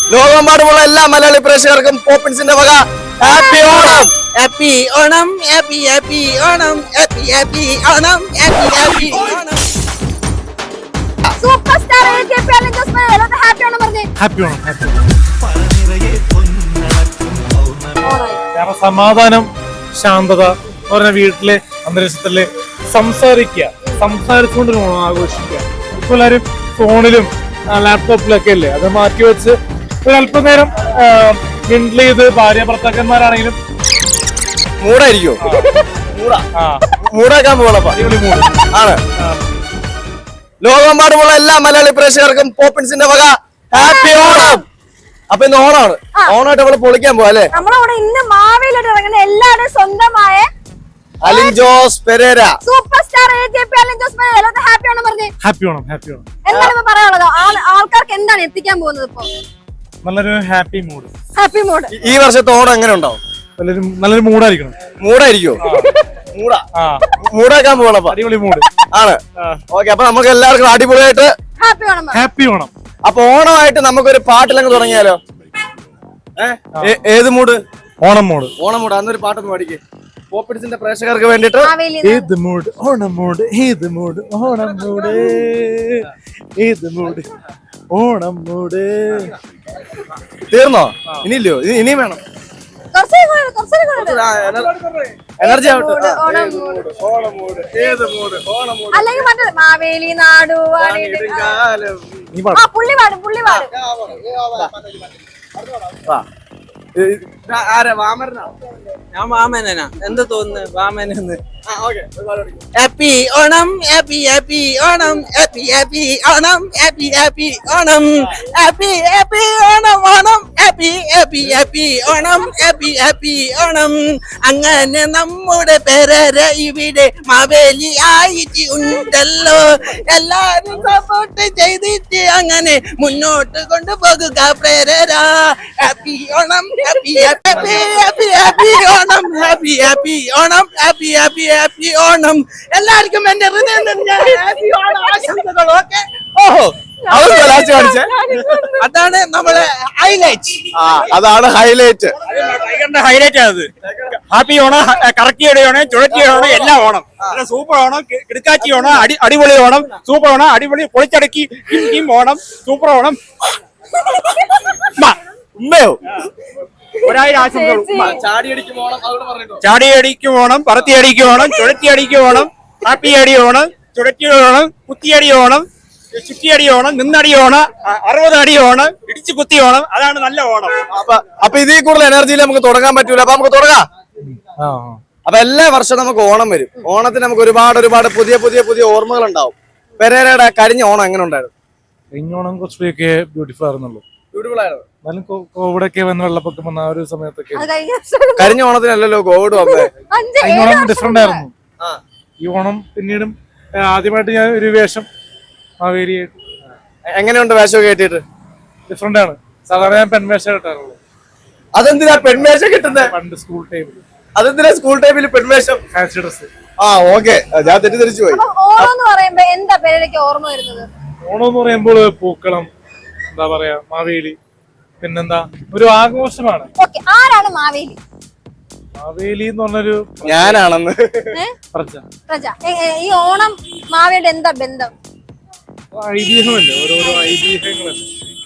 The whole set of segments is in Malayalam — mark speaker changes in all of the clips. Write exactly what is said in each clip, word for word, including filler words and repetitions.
Speaker 1: ലോകമെമ്പാടുമുള്ള എല്ലാ മലയാളി പ്രേക്ഷകർക്കും പോപ്പിൻസിന്റെ വക happy Onam.
Speaker 2: Happy Onam, happy happy Onam, happy happy Onam, happy happy Onam.
Speaker 3: Super star AKP. Alan Jose Perera എല്ലാവർക്കും ഹാപ്പി ഓണം പറഞ്ഞേ.
Speaker 4: ഹാപ്പി ഓണം. ഹാപ്പി കാരണം സമാധാനം, ശാന്തത എന്ന് പറഞ്ഞ വീട്ടിലെ അന്തരീക്ഷത്തില് സംസാരിക്കുക, സംസാരിച്ചുകൊണ്ട് ഓണം ആഘോഷിക്കുക. ഇപ്പൊ എല്ലാവരും ഫോണിലും ലാപ്ടോപ്പിലൊക്കെ അല്ലേ, അത് മാറ്റി വെച്ച് ഒരു അല്പനേരം മിണ്ടിൽ ചെയ്ത് ഭാര്യ ഭർത്താക്കന്മാരാണെങ്കിലും
Speaker 1: മൂടായിരിക്കോ? മൂടാക്കാൻ പോകണപ്പ ആണ്. ലോകമെമ്പാടുമുള്ള എല്ലാ മലയാളി പ്രേക്ഷകർക്കും പോപ്പിൻസിന്റെ വക ഹാപ്പി ഓണം. അപ്പൊ ഇന്ന് ഓണമാണ്. ഓണമായിട്ട് നമ്മള് പൊളിക്കാൻ പോവാ അല്ലേ?
Speaker 3: നമ്മളവിടെ ഇന്ന് മാവേലിയിട്ട് ഇറങ്ങുന്ന എല്ലാവരും സ്വന്തമായ
Speaker 1: Alin Jose Perera
Speaker 3: super star AKP. Alan Jose Perera എല്ലാവർക്കും ഹാപ്പി ഓണം പറഞ്ഞേ.
Speaker 4: ഹാപ്പി ഓണം. ഹാപ്പി ഓണം.
Speaker 3: എന്താണ് ഇപ്പൊ പറയാനുള്ളത്? ആൾക്കാർക്ക് എന്താണ് എത്തിക്കാൻ പോകുന്നത്? ഇപ്പൊ
Speaker 4: നല്ലൊരു ഹാപ്പി മൂഡ്.
Speaker 3: Happy mood.
Speaker 1: ഈ വർഷത്തെ ഓണം എങ്ങനെ ഉണ്ടാവും?
Speaker 4: നല്ലൊരു നല്ലൊരു മൂഡായിരിക്കണം.
Speaker 1: മൂടായിരിക്കോ? മൂടാ മൂടാക്കാൻ പോകണപ്പ
Speaker 4: അടിപൊളി മൂഡ്
Speaker 1: ആണ്. ഓക്കെ, അപ്പൊ നമുക്ക് എല്ലാവർക്കും അടിപൊളിയായിട്ട്
Speaker 3: ഹാപ്പി ഓണം.
Speaker 4: ഹാപ്പി ഓണം.
Speaker 1: അപ്പൊ ഓണമായിട്ട് നമുക്കൊരു പാട്ടിലങ്ങ് തുടങ്ങിയാലോ? ഏഹ് ഏത് mood?
Speaker 4: Onam mood.
Speaker 1: Onam mood. അന്നൊരു പാട്ടൊന്ന് പാടിക്ക് പോപ്പിൻസിന്റെ പ്രേക്ഷകർക്ക് വേണ്ടിട്ട്.
Speaker 4: ഏത് മൂഡ്? ഓണം മൂഡ്. ഏത് മൂഡ്? ഓണം മൂഡ്. ഏത് മൂഡ്? ഓണം മൂഡ്.
Speaker 1: തീർന്നോ? ഇനിയില്ലയോ? ഇനിയും വേണം. എനർജി ആവട്ടെ.
Speaker 3: അല്ലെങ്കിൽ മറ്റേ മാവേലി നാടു പുള്ളി പാടും പുള്ളി പാടും.
Speaker 2: ഞാൻ വാമനനാ, എന്താ തോന്നുന്നു വാമനെന്ന്? Happy Onam, happy happy Onam, happy happy Onam, happy happy Onam, happy happy Onam Onam, happy happy happy Onam, happy happy Onam. അങ്ങനെ നമ്മുടെ പെരേര ഇവിടെ മാവേലി ആയിട്ട് ഉണ്ടല്ലോ. എല്ലാരും സപ്പോർട്ട് ചെയ്തിട്ട് അങ്ങനെ മുന്നോട്ട് കൊണ്ടുപോകുക പെരേര. Happy Onam, happy happy happy happy Onam, happy happy Onam, happy happy happy Onam. എല്ലാവർക്കും എന്റെ ഹൃദയം നിറഞ്ഞ ഹാപ്പി ഓണം ആശംസകൾ. ഓക്കെ.
Speaker 1: ഓഹോ,
Speaker 2: അതാണ് നമ്മളെ ഹൈലൈറ്റ്.
Speaker 1: ആ, അതാണ് ഹൈലൈറ്റ്.
Speaker 5: ഹൈലൈറ്റ് ആണ്. ഹാപ്പി ഓണം, കറക്കിയുടെ ഓണം, ചുഴറ്റിയുടെ ഓണം, എല്ലാം ഓണം. സൂപ്പർ ഓണം, കിടക്കാച്ചി ഓണം, അടി അടിപൊളി ഓണം, സൂപ്പർ ഓണം, അടിപൊളി പൊളിച്ചടക്കി ഓണം, സൂപ്പർ ഓണം.
Speaker 1: ഉമ്മയോ?
Speaker 5: ഒരായിരം ആശംസകൾ.
Speaker 1: ചാടിയടിക്കും ഓണം, അതുകൊണ്ട് പറഞ്ഞിട്ടോ.
Speaker 5: ചാടിയടിക്കും ഓണം, പറത്തിയടിക്കും ഓണം, ചുഴറ്റിയടിക്കും ഓണം, ഹാപ്പി അടി ഓണം, ചുഴറ്റി ഓണം, കുത്തിയടി ഓണം, ചുറ്റിയടി ഓണം, നിന്നടി ഓണം, അറുപത് അടി ഓണം, ഇടിച്ചു കുത്തി ഓണം. അതാണ് നല്ല ഓണം.
Speaker 1: അപ്പൊ ഇതിൽ കൂടുതൽ എനർജിയിൽ നമുക്ക് തുടങ്ങാൻ പറ്റൂല. അപ്പൊ നമുക്ക് തുടങ്ങാം. അപ്പൊ എല്ലാ വർഷവും നമുക്ക് ഓണം വരും. ഓണത്തിന് നമുക്ക് ഒരുപാട് ഒരുപാട് പുതിയ പുതിയ പുതിയ ഓർമ്മകൾ ഉണ്ടാവും. പെരേരയുടെ കരിഞ്ഞ ഓണം എങ്ങനെ ഉണ്ടായിരുന്നു?
Speaker 4: കഴിഞ്ഞ ഓണം കുറച്ചൊക്കെ ബ്യൂട്ടിഫുൾ ആയിരുന്നുള്ളൂ.
Speaker 1: ബ്യൂട്ടിഫുൾ ആയിരുന്നു.
Speaker 4: എന്നാലും കോവിഡൊക്കെ വന്ന് വെള്ളപ്പൊക്കം വന്ന ആ ഒരു സമയത്തൊക്കെ
Speaker 1: കരിഞ്ഞ ഓണത്തിനല്ലല്ലോ കോവിഡ് വന്നത്.
Speaker 4: കഴിഞ്ഞ ഓണം ഡിഫറെന്റ് ആയിരുന്നു. ഈ ഓണം പിന്നീടും ആദ്യമായിട്ട് ഞാൻ ഒരു വേഷം മാവേലിയായിട്ട്.
Speaker 1: എങ്ങനെയുണ്ട് വേഷം കേട്ടിട്ട്?
Speaker 4: ഡിഫറെന്റ് ആണ്. സാധാരണ ഞാൻ പെൺവേഷം കിട്ടാറുള്ളൂ.
Speaker 1: അതെന്തിനാ പെൺവേഷം കിട്ടുന്നത്?
Speaker 4: പണ്ട് സ്കൂൾ ടൈമിൽ.
Speaker 1: അതെന്തിനാ സ്കൂൾ ടൈമിൽ പെൺവേഷം?
Speaker 4: Fancy dress.
Speaker 1: ആ, ഓക്കെ, ഞാൻ തെറ്റിദ്ധരിച്ചു പോയി.
Speaker 3: ഓണം എന്ന് പറയുമ്പോ എന്താ പേരേരയ്ക്ക് ഓർമ്മ വരുന്നത്?
Speaker 4: ഓണം എന്ന് പറയുമ്പോൾ പൂക്കളം, എന്താ പറയാ, മാവേലി, പിന്നെന്താ ഒരു ആഘോഷമാണ്.
Speaker 3: ആരാണ് മാവേലി?
Speaker 4: മാവേലി എന്ന് പറഞ്ഞൊരു
Speaker 1: ഞാനാണെന്ന്
Speaker 4: പ്രജ.
Speaker 3: പ്രജ. ഈ ഓണം മാവേലിയുടെ എന്താ ബന്ധം?
Speaker 4: ഐതിഹ്യമല്ലേ, ഓരോരോ ഐതിഹ്യങ്ങളല്ലേ.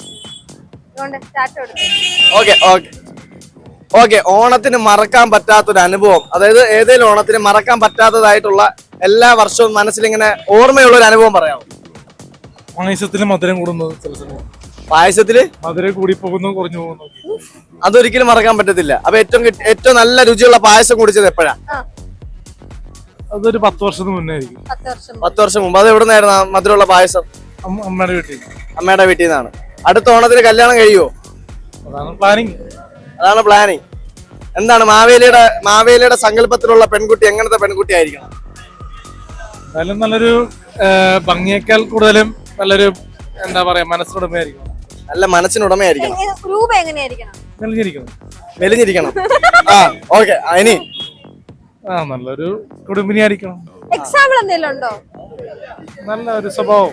Speaker 1: ഓക്കെ ഓക്കെ ഓക്കെ ഓണത്തിന് മറക്കാൻ പറ്റാത്തൊരു അനുഭവം, അതായത് ഏതെങ്കിലും ഓണത്തിന് മറക്കാൻ പറ്റാത്തതായിട്ടുള്ള എല്ലാ വർഷവും മനസ്സിലിങ്ങനെ ഓർമ്മയുള്ള ഒരു അനുഭവം പറയാമോ?
Speaker 4: പായസത്തില് മധുരം കൂടുന്നത് ചില സമയം.
Speaker 1: പായസത്തില്
Speaker 4: മധുരം കൂടി പോകുന്നു, കുറഞ്ഞു പോകുന്നു.
Speaker 1: അതൊരിക്കലും മറക്കാൻ പറ്റത്തില്ല. അപ്പൊ ഏറ്റവും ഏറ്റവും നല്ല രുചിയുള്ള പായസം കുടിച്ചത് എപ്പോഴാ?
Speaker 4: അതൊരു പത്ത് വർഷത്തിന് മുന്നേ ആയിരിക്കും.
Speaker 1: പത്ത് വർഷം മുമ്പ്. അത് എവിടെ നിന്നായിരുന്നു മധുരമുള്ള പായസം?
Speaker 4: അമ്മയുടെ വീട്ടിൽ.
Speaker 1: അമ്മയുടെ വീട്ടിൽ നിന്നാണ്. അടുത്ത ഓണത്തിന് കല്യാണം കഴിയുമോ?
Speaker 4: അതാണ് പ്ലാനിങ്.
Speaker 1: അതാണ് പ്ലാനിങ്. എന്താണ് മാവേലിയുടെ മാവേലിയുടെ സങ്കല്പത്തിലുള്ള പെൺകുട്ടി എങ്ങനത്തെ പെൺകുട്ടി ആയിരിക്കണം?
Speaker 4: എന്തായാലും നല്ലൊരു ഭംഗിയേക്കാൾ കൂടുതലും നല്ലൊരു എന്താ പറയാ മനസ്സിനുടമയായിരിക്കണം.
Speaker 1: നല്ല മനസ്സിനുടമയായിരിക്കണം.
Speaker 3: രൂപ എങ്ങനെയായിരിക്കണം?
Speaker 4: മെലിഞ്ഞിരിക്കണം.
Speaker 1: മെലിഞ്ഞിരിക്കണം. ആ, ഓക്കെ. ഇനി
Speaker 4: ആ നല്ലൊരു കുടുംബിനി ആയിരിക്കണം.
Speaker 3: എക്സാമ്പിൾ എന്തെങ്കിലും ഉണ്ടോ?
Speaker 4: നല്ല ഒരു സ്വഭാവം.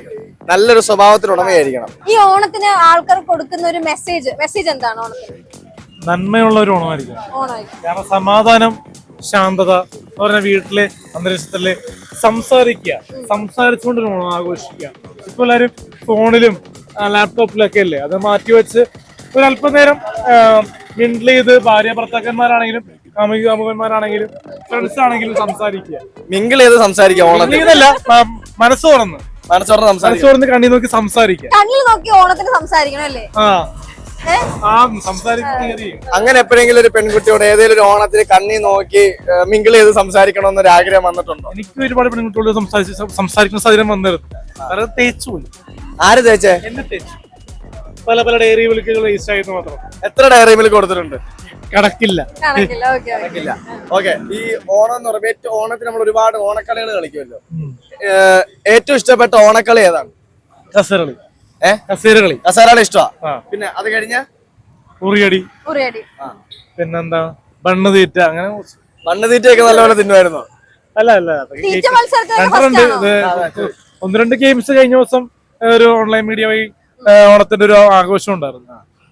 Speaker 1: നല്ലൊരു സ്വഭാവത്തിന് ഉടമയായിരിക്കണം.
Speaker 3: ഈ ഓണത്തിന് ആൾക്കാർ കൊടുക്കുന്ന ഒരു മെസ്സേജ് മെസ്സേജ് എന്താണ് ഓണത്തിന്?
Speaker 4: നന്മയുള്ള ഒരു ഓണമായിരിക്കും.
Speaker 3: ഓണമായിരിക്കും.
Speaker 4: കാരണം സമാധാനം, ശാന്തത എന്ന് പറഞ്ഞ വീട്ടിലെ അന്തരീക്ഷത്തില് സംസാരിക്കുക, സംസാരിച്ചുകൊണ്ട് ഒരു ഓണം ആഘോഷിക്കുക. ഇപ്പൊ എല്ലാവരും ഫോണിലും ലാപ്ടോപ്പിലൊക്കെ അല്ലേ, അത് മാറ്റിവെച്ച് ഒരു അല്പനേരം മിണ്ടിൽ ചെയ്ത് ഭാര്യ ഭർത്താക്കന്മാരാണെങ്കിലും കാമുകി കാമുകന്മാരാണെങ്കിലും ഫ്രണ്ട്സ് ആണെങ്കിലും സംസാരിക്കുക.
Speaker 1: മിങ്കിൾ ചെയ്ത് സംസാരിക്കുക ഓണത്തിന്.
Speaker 4: ഇതല്ല, മനസ്സ് തുറന്ന്
Speaker 1: മനസ്സോർന്ന്
Speaker 4: മനസ്സ്
Speaker 1: സംസാരിക്കുക.
Speaker 4: തുറന്ന് കണ്ണി നോക്കി സംസാരിക്കുക.
Speaker 3: കണ്ണിൽ നോക്കി ഓണത്തിന് സംസാരിക്കണം അല്ലേ?
Speaker 4: ആ ആ സംസാരിക്കുക.
Speaker 1: അങ്ങനെ എപ്പോഴെങ്കിലും ഒരു പെൺകുട്ടിയോട് ഏതെങ്കിലും ഒരു ഓണത്തിന് കണ്ണി നോക്കി മിങ്കിൾ ചെയ്ത് സംസാരിക്കണമെന്നൊരു ആഗ്രഹം വന്നിട്ടുണ്ടോ?
Speaker 4: എനിക്ക് ഒരുപാട് പെൺകുട്ടികളോട് സംസാരിച്ച് സംസാരിക്കുന്ന സാഹചര്യം വന്നിരുന്നു. അത് തേച്ചു പോയി.
Speaker 1: ആര് തേച്ചേ?
Speaker 4: എന്നെ തേച്ചു. പല പല ഡയറി വിളിക്കുകൾ രജിസ്റ്റർ ആയിരുന്നു മാത്രം.
Speaker 1: എത്ര ഡയറി മിൽക്ക് കൊടുത്തിട്ടുണ്ട്?
Speaker 4: കണക്കില്ല.
Speaker 3: കണക്കില്ല. ഓക്കെ
Speaker 1: കണക്കില്ല. ഓക്കെ. ഈ ഓണം എന്ന് പറയുമ്പോൾ ഏറ്റവും ഓണത്തിന് നമ്മൾ ഒരുപാട് ഓണക്കളികൾ കളിക്കുമല്ലോ. ഏറ്റവും ഇഷ്ടപ്പെട്ട ഓണക്കളി ഏതാണ്?
Speaker 4: കസേരകളി.
Speaker 1: ഏഹ്
Speaker 4: കസേരകളി
Speaker 1: കസേരകളി ഇഷ്ടമാ. പിന്നെ അത് കഴിഞ്ഞ
Speaker 4: ഉറിയടി,
Speaker 3: ഉറിയടി,
Speaker 4: പിന്നെന്താ ബണ്ണ് തീറ്റ, അങ്ങനെ
Speaker 1: മണ്ണ് തീറ്റയൊക്കെ നല്ലപോലെ തിന്നുമായിരുന്നു.
Speaker 4: അല്ല അല്ല
Speaker 3: തീറ്റ മത്സരത്തിൽ
Speaker 4: രണ്ടുണ്ട്. ഒന്ന് രണ്ട് ഗെയിംസ് കഴിഞ്ഞ ദിവസം ഒരു ഓൺലൈൻ മീഡിയ വഴി ഓണത്തിന്റെ ഒരു ആഘോഷം ഉണ്ടായിരുന്നു.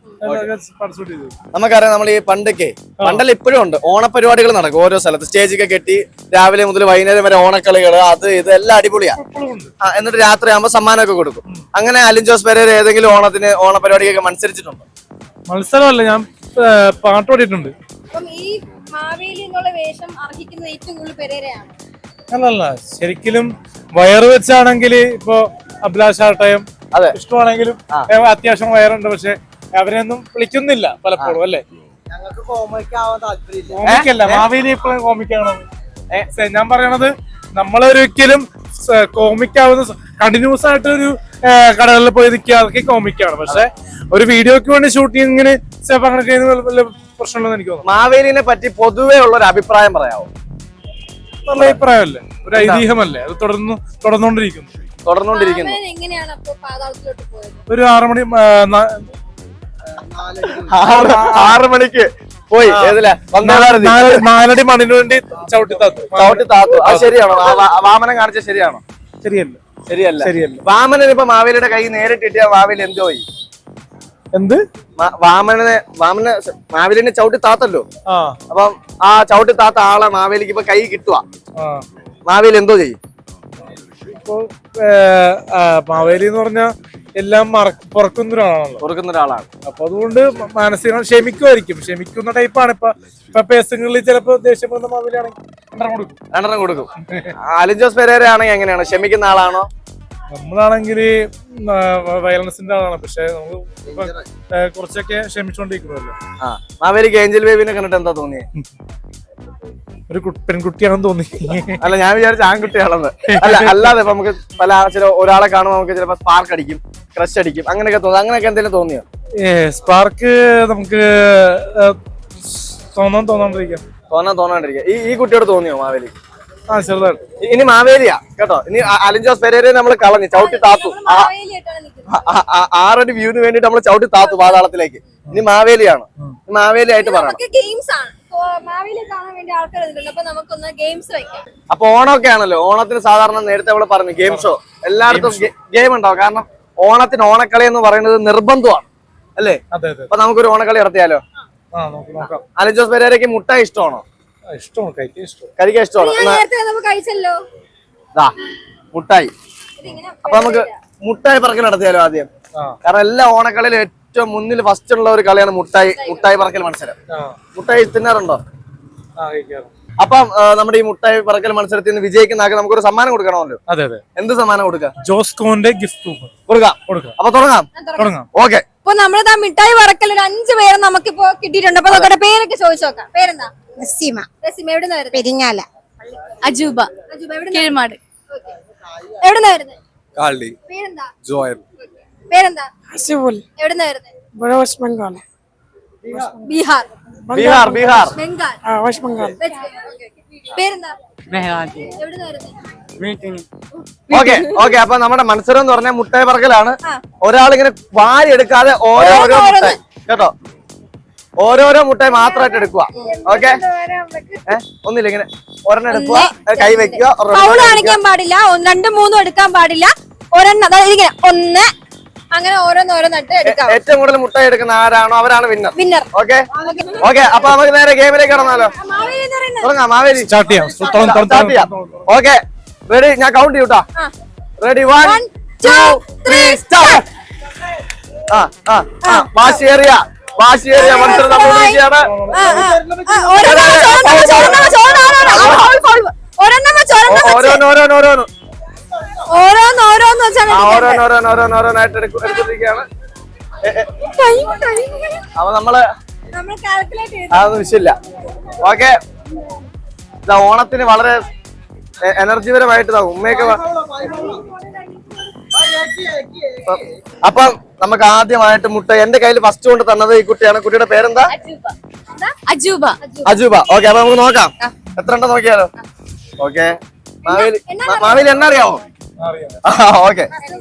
Speaker 1: നമുക്കറിയാം, നമ്മൾ ഈ പണ്ടൊക്കെ പണ്ടല്ല ഇപ്പോഴും ഉണ്ട് ഓണപരിപാടികൾ നടക്കും ഓരോ സ്ഥലത്ത്. സ്റ്റേജൊക്കെ കെട്ടി രാവിലെ മുതൽ വൈകുന്നേരം വരെ ഓണക്കളികൾ, അത് ഇത് എല്ലാം അടിപൊളിയാ. എന്നിട്ട് രാത്രി ആകുമ്പോൾ സമ്മാനമൊക്കെ കൊടുക്കും. അങ്ങനെ അലിൻ ജോസ് പെരേര ഏതെങ്കിലും ഓണത്തിന് ഓണപരിപാടിയൊക്കെ മത്സരിച്ചിട്ടുണ്ടോ?
Speaker 4: മത്സരമല്ല, ഞാൻ പാട്ട് പാടിയിട്ടുണ്ട്.
Speaker 3: അപ്പം ഈ മാവേലി എന്നുള്ള വേഷം അർഹിക്കുന്നത് ഏറ്റവും കൂടുതൽ പെരേരയാണ്.
Speaker 4: അല്ലല്ല, ശരിക്കും വയറ് വെച്ചാണെങ്കിൽ ഇപ്പൊ അഭിലാഷ് ആട്ടയം
Speaker 1: അതെ
Speaker 4: ഇഷ്ടമാണെങ്കിലും അത്യാവശ്യം വയറുണ്ട്, പക്ഷെ അവരെയൊന്നും വിളിക്കുന്നില്ല പലപ്പോഴും അല്ലേ.
Speaker 2: ഞങ്ങൾക്ക് കോമിക്കാവാൻ താല്പര്യമില്ല.
Speaker 4: കോമിക്കല്ല, മാവേലി എപ്പോഴും കോമിക്കാണോ? ഞാൻ പറയണത് നമ്മളൊരിക്കലും കോമിക്കാവുന്ന കണ്ടിന്യൂസ് ആയിട്ട് ഒരു കടകളിൽ പോയി നിൽക്കുക, അതൊക്കെ കോമിക്കാണ്. പക്ഷെ ഒരു വീഡിയോക്ക് വേണ്ടി ഷൂട്ടിങ്ങിന് അങ്ങനെ പ്രശ്നമുണ്ടെന്ന് എനിക്ക് തോന്നുന്നു.
Speaker 1: മാവേലിനെ പറ്റി പൊതുവേ ഉള്ള ഒരു അഭിപ്രായം പറയാമോ?
Speaker 4: നല്ല അഭിപ്രായമല്ലേ, ഒരു ഐതിഹ്യമല്ലേ, അത് തുടർന്ന് തുടർന്നുകൊണ്ടിരിക്കുന്നു
Speaker 1: തുടർന്നുകൊണ്ടിരിക്കുന്നു
Speaker 3: എങ്ങനെയാണ് അപ്പൊ പാതാളത്തിലോട്ട് പോയത്?
Speaker 4: ഒരു ആറു മണി
Speaker 1: ആറ് മണിക്ക് പോയി ഏതില
Speaker 4: നാലടി മണിന് വേണ്ടി ചവിട്ടി താത്തു.
Speaker 1: ചവിട്ടി താത്തു. അത് ശരിയാണോ? വാമനം കാണിച്ച ശരിയാണോ?
Speaker 4: ശരിയല്ല.
Speaker 1: ശരിയല്ല.
Speaker 4: ശരിയല്ല.
Speaker 1: വാമനൻ ഇപ്പൊ മാവേലിയുടെ കൈ നേരിട്ടിട്ട് മാവേലി എന്തോ ചെയ്യും?
Speaker 4: എന്ത്?
Speaker 1: വാമനെ വാമന മാവേലിനെ ചവിട്ടി താത്തല്ലോ. അപ്പം ആ ചവിട്ടി താത്ത ആളെ മാവേലിക്ക് ഇപ്പൊ കൈ കിട്ടുക, മാവേലി എന്തോ ചെയ്യും?
Speaker 4: ഇപ്പൊ മാവേലി എന്ന് പറഞ്ഞാൽ എല്ലാം പുറക്കുന്ന ഒരാളാണല്ലോ,
Speaker 1: പുറക്കുന്ന ഒരാളാണ്.
Speaker 4: അപ്പൊ അതുകൊണ്ട് മാനസികം ക്ഷമിക്കുമായിരിക്കും. ക്ഷമിക്കുന്ന ടൈപ്പാണ്. ഇപ്പൊ ഇപ്പൊ പേസങ്ങളിൽ ചിലപ്പോ ദേഷ്യപ്പെടുന്ന മാവേലിയാണെങ്കിൽ രണ്ടെണ്ണം കൊടുക്കും.
Speaker 1: രണ്ടെണ്ണം കൊടുക്കും. അലിൻ ജോസ് പെരേര ആണെങ്കിൽ എങ്ങനെയാണ്? ക്ഷമിക്കുന്ന ആളാണോ?
Speaker 4: നമ്മളാണെങ്കിൽ വയലൻസിന്റെ ആളാണ്, പക്ഷെ നമുക്ക് കുറച്ചൊക്കെ ക്ഷമിച്ചോണ്ടിരിക്കണല്ലോ.
Speaker 1: ആ മാവേലിക്ക് ഏഞ്ചൽ ബേബിനെ കണ്ടിട്ട് എന്താ തോന്നിയേ?
Speaker 4: ഒരു പെൺകുട്ടിയാണെന്ന് തോന്നി.
Speaker 1: അല്ല, ഞാൻ വിചാരിച്ച ആൺകുട്ടിയാണെന്ന്. അല്ല, അല്ലാതെ ഇപ്പൊ നമുക്ക് പല ചില ഒരാളെ കാണുമ്പോൾ നമുക്ക് ചിലപ്പോ സ്പാർക്ക് അടിക്കും, ക്രഷ് അടിക്കും, അങ്ങനെയൊക്കെ തോന്നും. അങ്ങനെയൊക്കെ എന്തെങ്കിലും തോന്നിയോ?
Speaker 4: ഏ സ്പാർക്ക് നമുക്ക് തോന്നാൻ തോന്നാണ്ടിരിക്കാം
Speaker 1: തോന്നാൻ തോന്നാണ്ടിരിക്കുക. ഈ ഈ കുട്ടിയോട് തോന്നിയോ മാവേലി?
Speaker 4: ആ ചെറുതായിട്ട്.
Speaker 1: ഇനി മാവേലിയാ കേട്ടോ. ഇനി അലിൻ ജോസ് പെരേരയെ നമ്മൾ കളഞ്ഞു, ചവിട്ടി താത്തു. ആറടി വ്യൂവിന് വേണ്ടിട്ട് നമ്മൾ ചവിട്ടി താത്തു പാതാളത്തിലേക്ക്. ഇനി മാവേലിയാണ്. മാവേലി ആയിട്ട് പറയണം.
Speaker 3: ഗെയിംസ് ആണ് മാവേലി കാണാൻ വേണ്ടി ആൾക്കാർ ഇതിലുണ്ട്. അപ്പൊ നമുക്കൊന്ന് ഗെയിംസ് വെക്കാം.
Speaker 1: അപ്പൊ ഓണമൊക്കെ ആണല്ലോ. ഓണത്തിന് സാധാരണ നേരത്തെ നമ്മൾ പറഞ്ഞു ഗെയിം ഷോ എല്ലായിടത്തും ഗെയിം ഉണ്ടാവും. കാരണം ഓണത്തിന് ഓണക്കളി എന്ന് പറയുന്നത് നിർബന്ധമാണ് അല്ലേ? അപ്പൊ നമുക്കൊരു ഓണക്കളി നടത്തിയാലോ? അലിൻ ജോസ് പെരേരയ്ക്ക് മുട്ടായി ഇഷ്ടമാണോ?
Speaker 4: ഇഷ്ടമാണ്, കഴിക്കാൻ ഇഷ്ടം.
Speaker 1: കഴിക്കാൻ ഇഷ്ടമാണ്.
Speaker 3: കഴിച്ചല്ലോ
Speaker 1: മുട്ടായി. അപ്പൊ നമുക്ക് മുട്ടായി പറക്കൽ നടത്തിയാലോ ആദ്യം? കാരണം എല്ലാ ഓണക്കളിയിലും ഏറ്റവും മുന്നിൽ ഫസ്റ്റ് ഉള്ള ഒരു കളിയാണ് മുട്ടായി മുട്ടായി പറക്കൽ മത്സരം. മുട്ടായി തിന്നാറുണ്ടോ? അപ്പം നമ്മുടെ ഈ മുട്ടായി പറക്കൽ മത്സരത്തിൽ നിന്ന് വിജയിക്കുന്ന ആൾക്ക് നമുക്കൊരു സമ്മാനം കൊടുക്കണമല്ലോ.
Speaker 4: അതെ അതെ.
Speaker 1: എന്ത് സമ്മാനം കൊടുക്കാം?
Speaker 4: ജോസ്കോന്റെ ഗിഫ്റ്റ്
Speaker 1: കൊടുക്കാം. അപ്പൊ തുടങ്ങാം.
Speaker 4: തുടങ്ങാം.
Speaker 1: ഓക്കെ.
Speaker 3: അപ്പൊ നമ്മളിതാ മിഠായി പറക്കൽ ഒരു അഞ്ചു പേര് നമുക്കിപ്പോ കിട്ടിയിട്ടുണ്ട്. അപ്പൊ നമുക്കടെ പേരൊക്കെ ചോദിച്ചു നോക്കാം. പേരെന്താ?
Speaker 6: നസീമ.
Speaker 3: നസീമ. എവിടുന്നാ വരുന്നത്?
Speaker 6: പെരിങ്ങാല.
Speaker 3: അജൂബ. അജൂബ കീഴ്മാട്. എവിടുന്നാ വരുന്നത്?
Speaker 7: കാളി.
Speaker 3: പേരെന്താ?
Speaker 7: ജോയൽ.
Speaker 3: പേരെന്താ?
Speaker 6: ഹസിബുൽ.
Speaker 3: എവിടുന്നാ വരുന്നത്?
Speaker 6: വെസ്റ്റ് ബംഗാൾ.
Speaker 3: ബീഹാർ.
Speaker 1: ബീഹാർ. ബീഹാർ.
Speaker 3: ബംഗാൾ.
Speaker 6: ആ വെസ്റ്റ് ബംഗാൾ.
Speaker 3: പേരെന്താ?
Speaker 6: മെഹ്റാജ്.
Speaker 3: എവിടുന്നാ വരുന്നത്?
Speaker 6: മീറ്റിംഗ്.
Speaker 1: Okay okay. അപ്പൊ നമ്മുടെ മത്സരം എന്ന് പറഞ്ഞാൽ മുട്ടായി പറക്കലാണ്. ഒരാളിങ്ങനെ വാരി എടുക്കാതെ ഓരോരോ മുട്ടായി കേട്ടോ, ഓരോരോ മുട്ടായി മാത്രമായിട്ട് എടുക്കുക. ഓക്കെ. ഏഹ് ഒന്നില്ല, ഇങ്ങനെ ഒരെണ്ണം എടുക്കുക, കൈ വെക്കുക.
Speaker 3: ഫൗൾ കാണിക്കാൻ പാടില്ല, രണ്ടും മൂന്നും എടുക്കാൻ പാടില്ല. ഒരെണ്ണം അതായത് ഇങ്ങനെ ഒന്ന് അങ്ങനെ ഓരോന്നോരോന്നിട്ട് എടുക്കാം.
Speaker 1: ഏറ്റവും കൂടുതൽ മുട്ടായി എടുക്കുന്ന ആരാണോ അവരാണ് വിന്നർ.
Speaker 3: വിന്നർ.
Speaker 1: ഓക്കെ ഓക്കെ അപ്പൊ നമുക്ക് നേരെ ഗെയിമിലേക്ക് കടന്നാലോ? തുടങ്ങാം മാവേലി.
Speaker 4: സ്റ്റാർട്ട് ചെയ്യാം.
Speaker 1: സ്റ്റാർട്ട് ചെയ്യാം. Okay ready? ഞാൻ കൗണ്ട് ചെയ്യൂട്ടാ. Ready? One two three start. ആ ആ ആ വാശിയേറിയ വാശിയേറിയ മത്സരം നടന്നുകൊണ്ടിരിക്കുകയാണ്. ഓരോന്നോരോന്നോരോന്ന്
Speaker 3: ഓരോന്നോരോന്ന് വെച്ചാണ്
Speaker 1: ഓരോന്നോരോന്നോരോന്നോരോന്നായിട്ട് എടുത്തിരിക്കുകയാണ്. അപ്പൊ നമ്മള്
Speaker 3: നമ്മൾ കാൽക്കുലേറ്റ് ചെയ്ത്
Speaker 1: അതൊന്നും വിഷയമില്ല. ഓക്കെ ഇതാ ഓണത്തിന് വളരെ എനർജിപരമായിട്ട് ഇതാ ഉമ്മയൊക്കെ വ- അപ്പം നമുക്ക് ആദ്യമായിട്ട് മുട്ട എന്റെ കയ്യിൽ ഫസ്റ്റ് കൊണ്ട് തന്നത് ഈ കുട്ടിയാണ്. കുട്ടിയുടെ പേരെന്താ?
Speaker 3: അജൂബ.
Speaker 1: അജൂബ. ഓക്കെ അപ്പൊ നമുക്ക് നോക്കാം എത്ര ഉണ്ടെന്ന് നോക്കിയാലോ. ഓക്കെ മാവേലി മാവേലി എണ്ണ അറിയാമോ? ഓക്കെ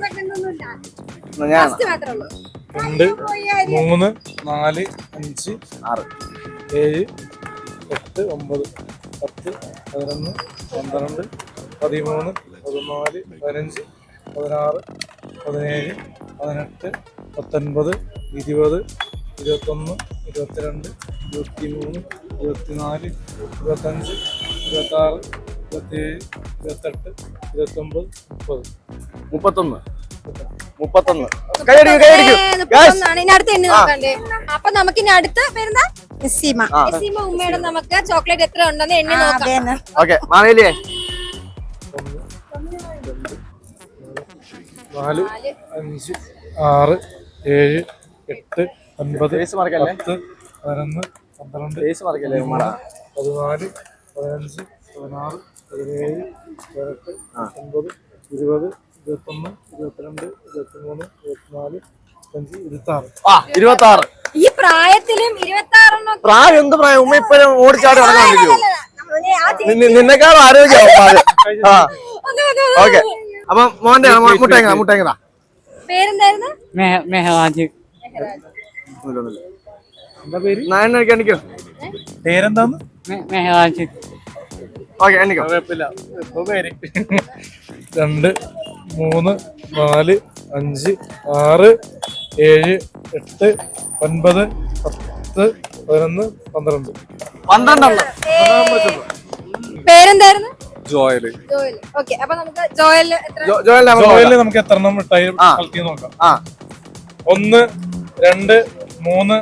Speaker 1: ഞാൻ
Speaker 4: രണ്ട് മൂന്ന് നാല് അഞ്ച്
Speaker 1: ആറ്
Speaker 4: ഏഴ് എട്ട് ഒമ്പത് പത്ത് പതിനൊന്ന് പന്ത്രണ്ട് പതിമൂന്ന് പതിനാല് പതിനഞ്ച് പതിനാറ് പതിനേഴ് പതിനെട്ട് പത്തൊൻപത് ഇരുപത് ഇരുപത്തൊന്ന് ഇരുപത്തിരണ്ട് ഇരുപത്തി മൂന്ന് ഇരുപത്തിനാല് ഇരുപത്തഞ്ച് ഇരുപത്താറ് ഇരുപത്തിയേഴ് ഇരുപത്തെട്ട് ഇരുപത്തൊമ്പത് മുപ്പത്
Speaker 1: മുപ്പത്തൊന്ന് മുപ്പത്തൊന്ന് കൈയടിക്കും കൈയടിക്കും.
Speaker 3: ഇനി അടുത്ത് എണ്ണി നോക്കണ്ടേ? അപ്പൊ നമുക്ക് ഇനി അടുത്ത പേരെന്താ? നസീമ. നസീമ ഉമ്മയുടെ നമുക്ക് ചോക്ലേറ്റ് എത്ര ഉണ്ടെന്ന് എണ്ണി നോക്കാം.
Speaker 1: ഓക്കെ മാവേലിയെ
Speaker 4: നാല് അഞ്ച് ആറ് ഏഴ് എട്ട് ഒൻപത്
Speaker 1: ഫേസ് മറക്കല്ലേ?
Speaker 4: പത്ത് പതിനൊന്ന് പന്ത്രണ്ട്
Speaker 1: ഫേസ് മറക്കല്ലേ ഉമ്മടാ?
Speaker 4: പതിനാല് പതിനഞ്ച് പതിനാറ് പതിനേഴ് പതിനെട്ട് പത്തൊൻപത് ഇരുപത് ഇരുപത്തൊന്ന് ഇരുപത്തിരണ്ട് ഇരുപത്തിമൂന്ന് ഇരുപത്തിനാല് ഇരുപത്തഞ്ച് ഇരുപത്താറ്.
Speaker 1: ആ ഇരുപത്തി ആറ്.
Speaker 3: ഈ പ്രായത്തിലും ഇരുപത്തി ആറെണ്ണം
Speaker 1: പ്രായം എന്ത് പ്രായം? ഉമ്മ ഇപ്പോഴും ഓടിച്ചാടി നടക്കാണ്ടിരിക്കും. നിന്നെക്കാളും ആരോഗ്യമാവും. ആ ഓക്കെ അപ്പൊ മോന്റെ മുട്ടേങ്ങ മുട്ടേങ്ങ
Speaker 3: പേരെന്തായിരുന്നു?
Speaker 6: മെഹറാജ്.
Speaker 4: എന്താ പേര്?
Speaker 1: നായണ്ണ എണ്ണിക്കോ.
Speaker 4: പേരെന്താന്ന്?
Speaker 6: മെഹറാജ്.
Speaker 1: ഓക്കെ എണ്ണിക്കോ.
Speaker 4: കുഴപ്പമില്ല. ഇപ്പൊ പേര് രണ്ട് മൂന്ന് നാല് അഞ്ച് ആറ് ഏഴ് എട്ട് ഒൻപത് പത്ത് പതിനൊന്ന് പന്ത്രണ്ട്
Speaker 1: പന്ത്രണ്ടെണ്ണം.
Speaker 3: പേരെന്തായിരുന്നു?
Speaker 7: ജോയല്.
Speaker 3: ജോയൽ. ഓക്കെ അപ്പൊ നമുക്ക് ജോയൽ എത്ര?
Speaker 1: ജോയൽ
Speaker 4: ജോയില് നമുക്ക് എത്ര എണ്ണം മിഠായി
Speaker 1: ആ.
Speaker 4: കളക്ട് ചെയ്ത് നോക്കാം.
Speaker 1: ആ
Speaker 4: ഒന്ന് രണ്ട് മൂന്ന്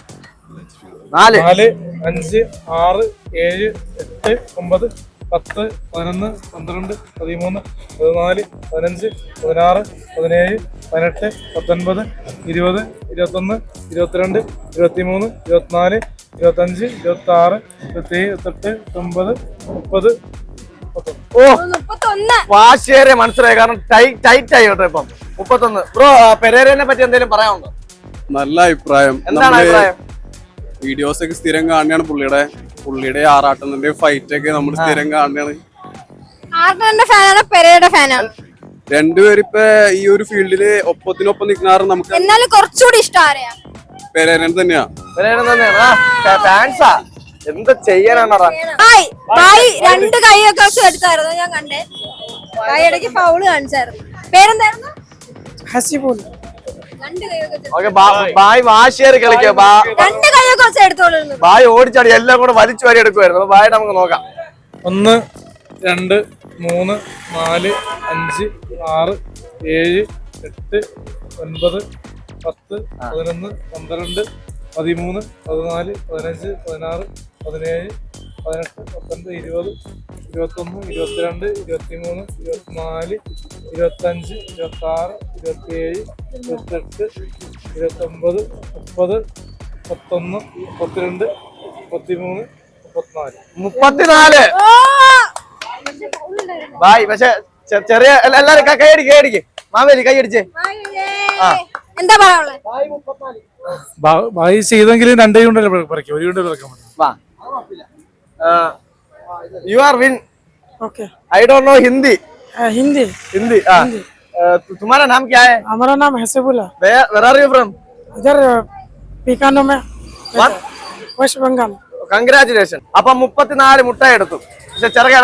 Speaker 1: നാല്
Speaker 4: നാല് അഞ്ച് ആറ് ഏഴ് എട്ട് ഒമ്പത് പത്ത് പതിനൊന്ന് പന്ത്രണ്ട് പതിമൂന്ന് പതിനാല് പതിനഞ്ച് പതിനാറ് പതിനേഴ് പതിനെട്ട് പത്തൊൻപത് ഇരുപത് ഇരുപത്തൊന്ന് ഇരുപത്തിരണ്ട് ഇരുപത്തിമൂന്ന് ഇരുപത്തിനാല് ഇരുപത്തഞ്ച് ഇരുപത്തി ആറ് ഇരുപത്തേഴ് ഇരുപത്തെട്ട് ഇരുപത്തൊമ്പത് മുപ്പത് മുപ്പത്തൊന്ന്.
Speaker 1: ഓ
Speaker 3: മുപ്പത്തൊന്ന്.
Speaker 1: വാശിയേറിയ മനസ്സിലായി. കാരണം ടൈറ്റ് ടൈറ്റ് ആയി കേട്ടോ ഇപ്പം. മുപ്പത്തൊന്ന്. ബ്രോ പെരേരനെ പറ്റി എന്തെങ്കിലും പറയാനുണ്ടോ?
Speaker 7: നല്ല അഭിപ്രായം.
Speaker 1: എന്താണ് അഭിപ്രായം?
Speaker 7: വീഡിയോസ് ഒക്കെ സ്ഥിരം കാണുകയാണ് പുള്ളിയുടെ പുള്ളിയുടെ ആറാട്ടുന്നതിന്റെ ഫൈറ്റ് ഒക്കെ നമ്മൾ സ്ഥിരം കാണുകയാണ്.
Speaker 3: ആർട്ടന്റെ ഫാനാണ് പെരയുടെ ഫാനാണ്?
Speaker 7: രണ്ടുപേരും ഇപ്പൊ ഈ ഒരു ഫീൽഡില് ഒപ്പത്തിനൊപ്പം നിൽക്കുന്ന നമുക്ക്
Speaker 3: എന്നാലും കുറച്ചുകൂടി ഇഷ്ടം ആരെയാ?
Speaker 7: പെരേരൻ തന്നെയാ.
Speaker 1: പെരേരൻ തന്നെയാണ്. ആ ഫാൻസാ എന്ത് ചെയ്യാനാണ്?
Speaker 3: ബായ് ബായ് രണ്ട് കൈയൊക്കെ വെച്ച് എടുത്തായിരുന്നു ഞാൻ കണ്ടേ. ബായ് ഇടയ്ക്ക് ഫൗള് കാണിച്ചായിരുന്നു. പേരെന്തായിരുന്നു?
Speaker 6: ഹസിബുൽ.
Speaker 3: രണ്ട് കൈയൊക്കെ വെച്ച്
Speaker 1: ഓക്കെ ബായ് വാശിയേറി കളിക്കുക.
Speaker 3: രണ്ട് കൈയൊക്കെ വെച്ച് എടുത്തോളുന്നു.
Speaker 1: ബായ് ഓടിച്ചാടി എല്ലാം കൂടെ വലിച്ചു വാരി എടുക്കുമായിരുന്നു. അപ്പൊ ബായ് നമുക്ക് നോക്കാം.
Speaker 4: ഒന്ന് രണ്ട് മൂന്ന് നാല് അഞ്ച് ആറ് ഏഴ് എട്ട് ഒൻപത് പത്ത് പതിനൊന്ന് പന്ത്രണ്ട് പതിമൂന്ന് പതിനാല് പതിനഞ്ച് പതിനാറ് പതിനേഴ് പതിനെട്ട് പത്തൊൻപത് ഇരുപത് ഇരുപത്തൊന്ന് ഇരുപത്തിരണ്ട് ഇരുപത്തിമൂന്ന് ഇരുപത്തിനാല് ഇരുപത്തഞ്ച് ഇരുപത്താറ് ഇരുപത്തിയേഴ് ഇരുപത്തെട്ട് ഇരുപത്തൊമ്പത് മുപ്പത് മുപ്പത്തൊന്ന് മുപ്പത്തിരണ്ട് മുപ്പത്തിമൂന്ന് മുപ്പത്തിനാല്.
Speaker 1: മുപ്പത്തിനാല്. ബായ് പക്ഷെ ചെറിയ എല്ലാ- എല്ലാരും ക- കൈയടിക്ക് കൈയടിക്ക്. മാവേലി കൈയടിച്ചേ. ആ.
Speaker 3: എന്താ പറയാനുള്ളത്?
Speaker 4: ബായി ചെയ്തെങ്കിലും രണ്ടേ കൊണ്ടല്ലേ പറിക്കും, ഒരു കൊണ്ട് പറിക്കാൻ പറ്റും.
Speaker 1: വാ. You are win.
Speaker 6: Okay.
Speaker 1: I don't know Hindi.
Speaker 6: हाँ, हिंदी.
Speaker 1: Hindi. हाँ. Uh, तुम्हारा नाम क्या है?
Speaker 6: हमारा नाम हसीबुल है.
Speaker 1: Where Where are you from?
Speaker 6: इधर पीकानो में.
Speaker 1: What?
Speaker 6: वेस्ट बंगाल.
Speaker 1: Congratulations. അപ്പം മുപ്പത്തിനാല് മുട്ട എടുത്തു. പക്ഷെ ചെറുക